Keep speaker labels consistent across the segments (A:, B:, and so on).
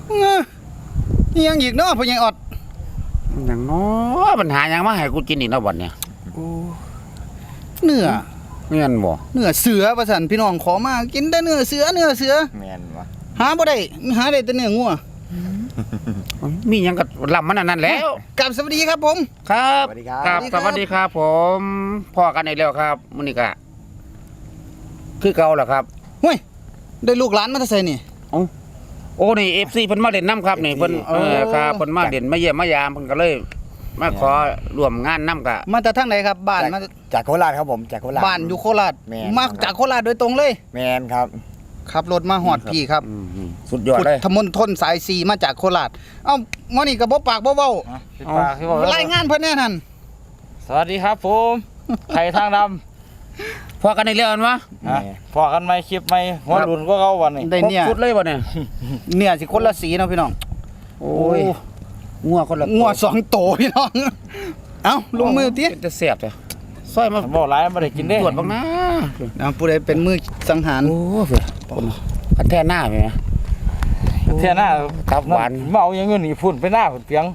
A: นี่ยังอีกเนาะพ่อใหญ่ออด
B: อย่างน้อปัญหายังมาให้กูกินอีกแล้วบัดเนี่ย
A: เนื้อ
B: เงี้ยบ่
A: เนื้อเสือประสันพี่น้องขอมากินได้เนื้อเสือ
C: แม่นวะ
A: หาบ่ได้หาได้แต่เนื้องัว
B: มีหยังก็ลำมันนั่นแล้ว
A: กับสวัสดีครับผม
B: ครับครับสวัสดีครับผมพ่อกันอีกแล้วครับมื้อนี้ก็คือเก่าล่ะครับ
A: ห้ยได้ลูกหลานมาแต่ไสนี่
B: โอ้นี่ FC เพิ่นมาเล่นน้ำครับนี่เพิ่นครับเพิ่นมาเล่นมาเยี่ยมมายามเพิ่นก็เลยมาขอร่วมงานนำกะ
A: มาจากทางไหนครับบ้านมา
C: จากโคราชครับผมจากโคราช
A: บ้านอยู่โคราชมาจากโคราชโดยตรงเลย
C: แม่นครับ
A: ขับรถมาฮอดพี่ครับ
B: สุดยอดเลย
A: พุทธมณฑลสาย4มาจากโคราชเอ้ามื้อนี้ก็บ่ปากบ่เว้ารายงานเพิ่นแน่นั่น
D: สวัสดีครับผมไข่ทางด
B: พอกันอีกแล้วมั้ย
D: พอกันไหมคลิปไหมหัวรุ่นก็เขาวันนี้
A: ได้เนี่ย
B: สุดเลยบ่เนี่ย
A: เนี่ยสิคนละสีเนาะพี่น้อง
B: โอ้ยงัวคนละ
A: งัว2โตพี่น้องเอ้าลงมือติ
B: จะเสียบจ้ะซอยมา
D: บ่หลายบ่ได้กินเด้
B: ตรวจบ้างนะ
A: ผู้ใดเป็นมือสังหาร
B: โอ้เพิ่นคันแท้หน้าแม่
D: เท่าหน้า
B: ตับหวาน
D: เมาอย่างเงี้ยนี่พุ่นไปหน้าพุ่นเปียง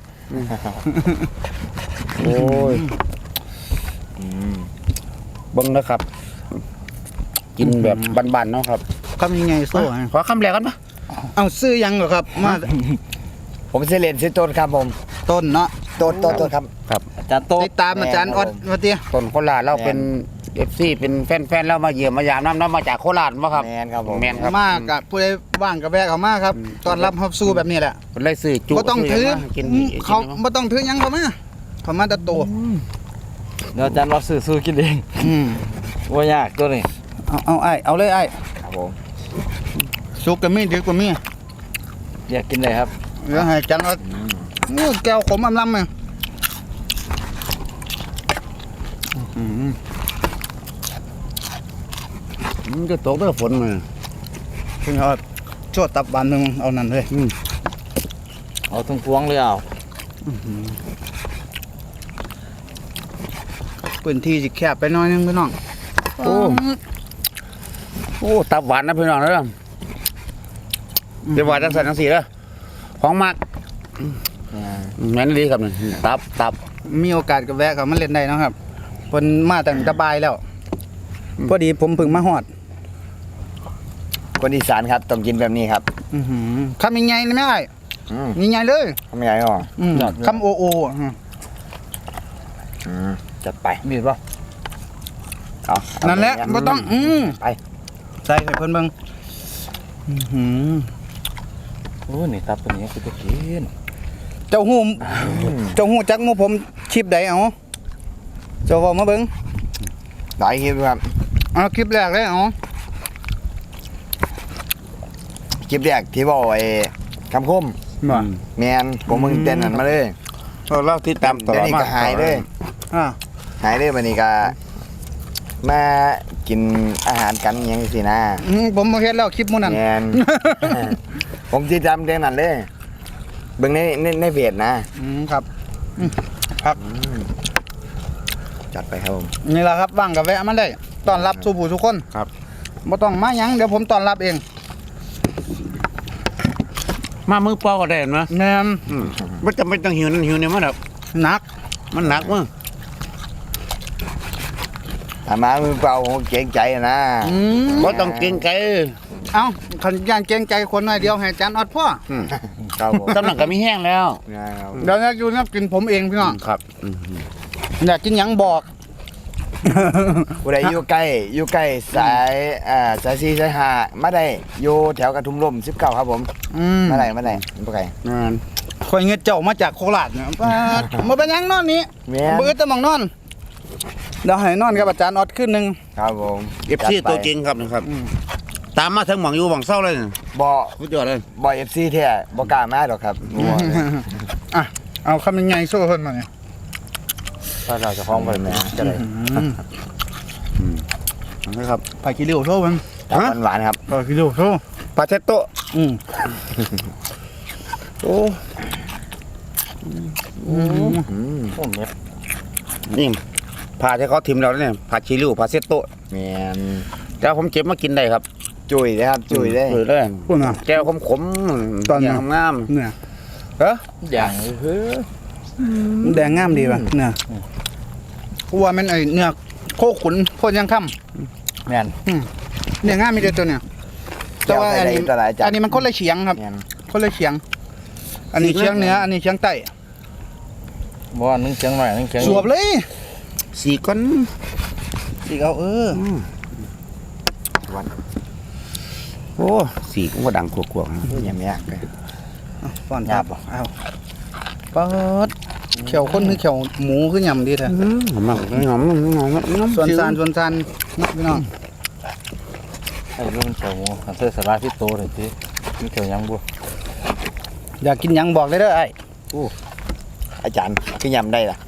B: โอ้ยเบิ่งนะครับกินแบบบ้านๆเนาะครับ
A: คำยังไงโซ่
B: ขอคำแรกกันปะ
A: เอาซื้อยังเหรอครับมา
C: ผมเสเลนซื้อต้นครับผม
A: ต้นเนาะ
C: ต้นครับ
B: ครับ
D: อาจารย์โต
A: ติดตามอาจารย์ออดมาเตี้ย
B: ต้นโคราชเราเป็น FC เป็นแฟนๆเรามาเยี่ยมมายามน้ำมาจากโคราชบ่ครับ
C: แม่นครับผม
B: แม่นครับ
A: มากกับผู้ใดว่างกับแวะเข้ามาครับตอนรับฮับสู้แบบนี้แหละ
B: เพิ่นเลยซื้อจุ
A: บ่ต้องถือเขาบ่ต้องถือยังเข้ามาแต่โต
D: เดี๋ยวอาจารย์เราซื้อกินเองว่ายากตัวนี้
A: เอาไอ้เอาเลยไอ้
C: ครับผม
A: สุกกับมีดีกว่ามี
D: อยากกินเลยครับ
A: เดี๋ยวให้จังว่าแก้วขมลำๆมั้ย
B: มันจะตกเด้อฝนมา
A: เพิ่นเอาโจดตับบานนึงเอานั่นเลย
D: เอาทั้งพวงเลยเอา
A: พื้นที่สิแคบไปหน่อยนึงพี่น้อง
B: โอ้ตับหวานนะพี่น้องเด้อเดี๋ยวหวานจังซั่นจังซี่เด้อของมักแม่นดีครับนี่ตับ
A: มีโอกาสก็แวะเข้ามาเล่นได้นะครับเพิ่นมาตั้งแต่บ่ายแล้วพอดีผมเพิ่งมาฮอด
C: คนอีสานครับต้องกินแบบนี้ครับ
A: คำยังไงนะแม่ยังไงเลย
C: คำใหญ่หรอ
A: คำโอ
C: จัดไป
D: มีป่ะ
A: นั่นแหละไม่ต้อง
C: ไป
A: ใส่เพิ่นเบิ่ง
D: โอ้นี่ตับตัวนี้คือจะกิน
A: เจ้าหูจักหมู่ผมคลิปใดเอาเจ้าเว้ามาเบิ่ง
C: หลายคลิปครับ
A: คลิปแรกเลย
C: คลิปแรกที่บอกไอ้คำคมแมนผมมึงเต้นนั่นมาเลย
B: เล่าที่ตาม
C: ต่อมาหายเลยวันนี้ก็มากินอาหารกันยังสินะ
A: ผมมาเห็นแล้วคลิปมื้อนั้น
C: แมนผมที่จำเต้นนั่นเลยเบิ่งในเพจ
A: ครับพัก
C: จัดไปครับผม
A: นี่แหละครับว่างกับแวะมาได้ต้อนรับสู่ผู้ทุกคน
B: ครับ
A: บ่ต้องมาหยังเดี๋ยวผมต้อนรับเอง
B: มามือเปล่าก็ได้มั้ย
A: แม่น
B: บ่จำเป็นต้องหิวเนี่ยมันแบบ
A: หนัก
B: มันหนักมั้ง
C: ถ้ามามือเปล่าเกรงใจนะ
B: บ่ต้องเกรงใจ
A: เอ้าคันย่างเกรงใจคนหน่อยเดียวให้อาจารย์ออดพ่อ
C: ครับผม
B: ตำหนักก็มีแห้งแล้ว
A: เดี๋ยวอยู่นับกินผมเองพี่น้อง
B: ครับ
A: อยากกินหยังบอก
C: ผู้ใดอยู่ใกล้สาย4สาย5มาได้อยู่แถวกระทุ่มร่ม19ครับผมมาได้บ่ไกล
A: คอยเงินเจ้ามาจากโคราชเนี่ยมาเป็นยังนอนนี้เบื่อแต่มองนอนเดี๋ยวให้นอนกับอาจารย์ออดขึ้นนึง
C: ครับผม
B: FC ตัวจริงครับนะครับตามมาทั้งหม่องอยู่หม่องเศร้าเลย
C: บ่
B: สุดยอดเลย
C: บ่ FC แท้บ่กล้ามาดอกครับ
A: เอาคำยังไงสู้เพิ่นมาเนี่ย
C: ถ้าเราจะฟ้องไปแม่จะได้
A: นะครับผักขี้ริ้วโซ่มัน
C: หวานครับ
A: ผักขี้ริ้วโซ่
B: ปลาเชตโต้โอ้นี่ผ่าที่เขาทิมเราเนี่ยผ่าชิลิวผ่าเซตโต้
C: แม่น
B: แล้วผมเก็บมากินได้ครับ
C: จุยนะครับจุยได้
B: เลย
A: พูดนะ
B: แก้วขมๆ
A: ตอน
B: อย่างงาม
A: เนี่ย
B: เอ้อ
D: อย่างเฮ้ย
A: แดงงามดีป่ะเนี่ยกูว่ามันไอเนื้อโคขุนโพนยังค่
D: แม่น
A: ำเนื้องามมีแต่ตัวเนี่ยแต่ว่าอันนี้
C: ตลาดจัด
A: อันนี้มันคนละเฉียงครับ
C: แม่น
A: คนละเฉียง อันนี้เฉียงเหนืออันนี้เฉียงใต้
D: บ่ว่านึงเชียงหน่อยนึงเชียง
A: สวบเลย
B: สีก้อน
A: สิเอา
C: วัน
B: โอ้สีก็บ่ดังกวกๆนะ
C: ยังไม่ยากเลย
A: ป้อนครับเอาเปิดเขียวคนคือเขียวหมูคือยำดีแท้
B: หอมมากหอมน้ำ
A: ส่วนซานนี่พี่น้อง
D: ไอ้เรื่องเขียวหมูอันเสื้อสลาที่โตเลยที่มีเขียวยังบ่
A: อยากกินหยังบอกเลยเด้อไอ้
C: อาจารย์คือยำได้ล่ะ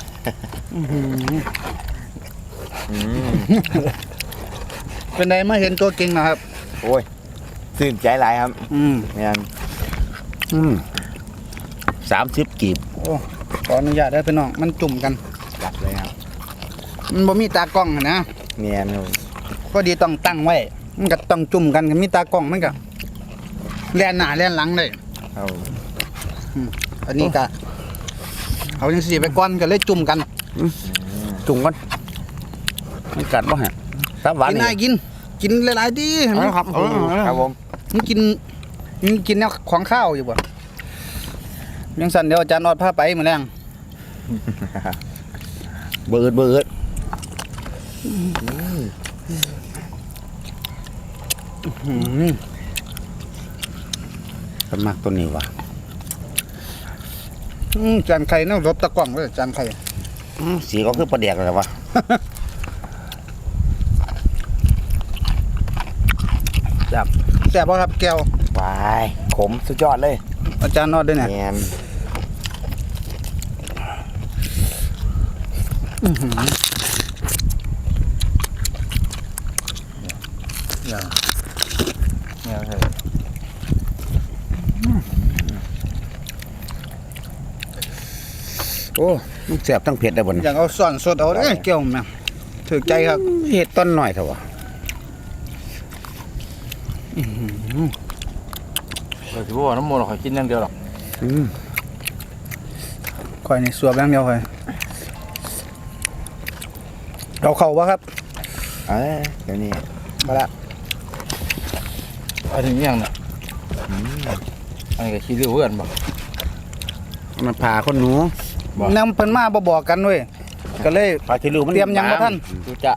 A: เป็นไดมาเห็นตัวเก่งนะครับ
C: โอ้ยตื่นใจหลายครับแม่น
B: 30 กีบ
A: โอ้ขออนุญาตได้อพี่น้องมันจุ่มกัน
C: จัดเลยครับ
A: มันบ่มีตากล้องอะนะ
C: แม่นครับ
A: พอดีต้องตั้งไว้ มันก็ต้องจุ่มกันกับมีตากล้องมันก็แล่นหน้าแล่นหลังเลย
C: เอา
A: อันนี้ก็เอาจังซี่ไปก่อนก็เลยจุ่มกัน
B: จุ่มก่อนมันกัดบ่ฮะตับหวาน
A: กิน
B: นี่
A: ได้กินหลายๆดีเห็นไหม
B: ครับ
C: ครับผม
A: มันกินแนวของข้าวอยู่บ่ยังสั่นเดี๋ยวอาจารย์นอดพาไปมื้อแรง
B: เบิดสมักตัวนี้ว่ะ
A: จานไข่เนาะรบตะกล้องเลยจานไข่
B: สีก็คือปลาแดกเลยวะ
A: แซ่บบ่ครับแก้ว
C: วายขมสุดยอดเลย
A: อาจารย์นอดด้วยเนี่ย
C: แม่น
D: เนี่ยใช่
B: โอ้มันแสบทั้งเผ็ดได้บ่น
A: อยากเอาซ่อนสดเอาเด้อแก้วแม่ถือใจครับ
B: เห็ดต้นหน่อยเถอะวะ
D: เราถือว่าน้ำมันเรากินอย่างเดียวหรอก
A: ข่อยนี่สวบอย่างเดียวข่อยเอาเข้าบ่ครับ
C: เดี๋ยวนี้มาละ
D: เอาถึงอย่างน่ะอันนี้ก็คิดเรื่องเพื่อนบ่
B: มันผ่าคนหนู
A: นำเพิ่นมาบ่บอกกันเว้ยก็เลย
B: ผ่าที่ลูกมัน
A: เตรียมหยังบ่ทัน
D: ดูจะ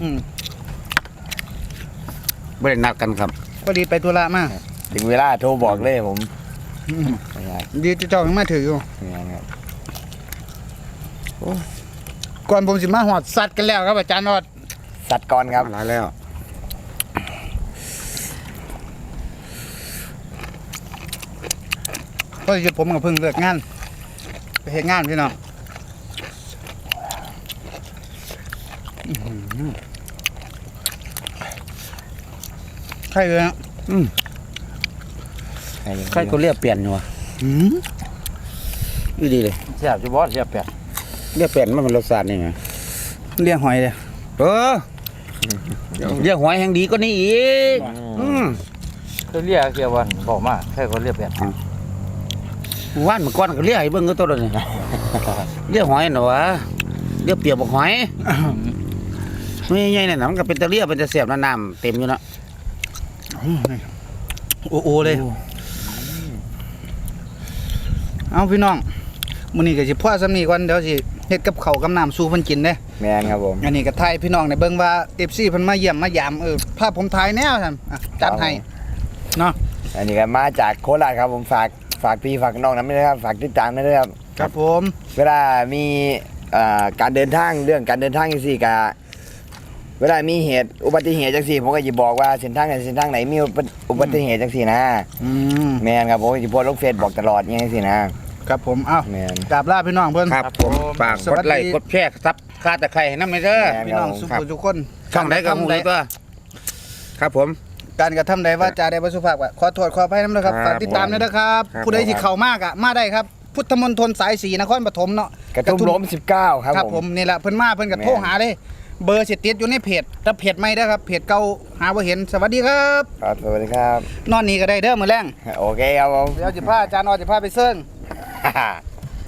B: ไม่ได้นัดกันครับ
A: พอดีไปธุระมา
C: ถึงเวลาโทรบอกเลยผม
A: ดีเจ้ายังมาถืออยู่
C: แม่นครับ
A: ก่อนผมสิมาหอดสัตว์กันแล้วครับอาจารย์นอด
C: สัตว์ก่อนครับ
B: หลายแล้ว
A: พอดีผมก็เพิ่งเลิกงานไปเฮ็ดงานพี่น้องใครเลยฮะ
B: ใครก็เรียกเปลี่ยนอยู่วะดีดีเลย
D: แซ่บจะบอสแซ่บแปด
B: เรียกเปลี่ยนมันเป็นรสชาตินี่ไง
A: เลี้ยงหอยเลย
B: เออเรียกหอยแห่งดีก็นี่อีก
D: เคยเรียกเกี่ยววันบอกมาแค่คนเรียกแปด
B: ว่านเมื่อก่อนก็เรียกไอ้เบิ้งก็ตัวนี้เรียกหอยหนอวะเรียกเปียกบอกหอยไม่ใหญ่ๆน่ะมันก็เป็นตะเรียเป็นตะเสียบน้ำเต็มอยู่เนาะ
A: โอ้โอเลยเอาพี่น้องมื้อนี้ก็สิพ่อซ้ำนี้ก่อนเดี๋ยวสิเฮ็ดกับข้าวกับน้ำสู่เพิ่นกินเด้
C: แม่นครับผม
A: อันนี้ก็ถ่ายพี่น้องในเบิ่งว่า FC เพิ่นมาเยี่ยมมายามภาพผมถ่ายแนวซั่นจัดให้เนาะ
C: อันนี้ก็มาจากโคราชครับผมฝากพี่ฝากน้องนะไม่ได้ครับฝากติดตามด้วยครับ
A: ครับผม
C: เวลามีการเดินทางเรื่องการเดินทางจังซี่ก็เวลามีเหตุอุบัติเหตุจังซี่ผมก็จะบอกว่าเส้นทางไหนมีอุบัติเหตุจังซี่นะ แม่นครับผมจะโพสต์ลงเฟซบอกตลอดอย่างนี้สินะครับ
A: ผมเอ้า
C: แม่น
A: กราบลาพี่น้องเพิ่น
B: ครับผมฝากกดไลค์กดแชร์ซับคาตะไคร้ให้น้ำเด้อ
A: พี่น้องสุขทุกคน
B: ช่องไหนก็หูดีตัวครับผม
A: การกระทำใดว่าจาใดบ่สุภาพก็ขอโทษขออภัยนำด้วยครับ
B: ครับ
A: ฝากติดตามด้วยนะครับ
B: ครับ
A: ผู้ใดที่เข้ามากอ่ะมาได้ครับ พุทธมณฑลสาย4นครปฐมเนาะ
C: กระทุ่มล้ม19ครับ
A: ครับ
C: ผ
A: ผม มนี่แหละเพิ่นมาเพิ่นก็
C: แม่น
A: โทรหาเลยเบอร์สิติดอยู่ในเพจแต่เพจใหม่เด้อครับเพจเก่าหาบ่เห็นสวัสดีครับ
C: ครับสวัสดีครับ
A: นอนนี่ก็ได้เด้อมื้อแรง
C: โอเคครับผม
A: เดี๋ยวสิพาอาจารย์ออสิพาไปเซิง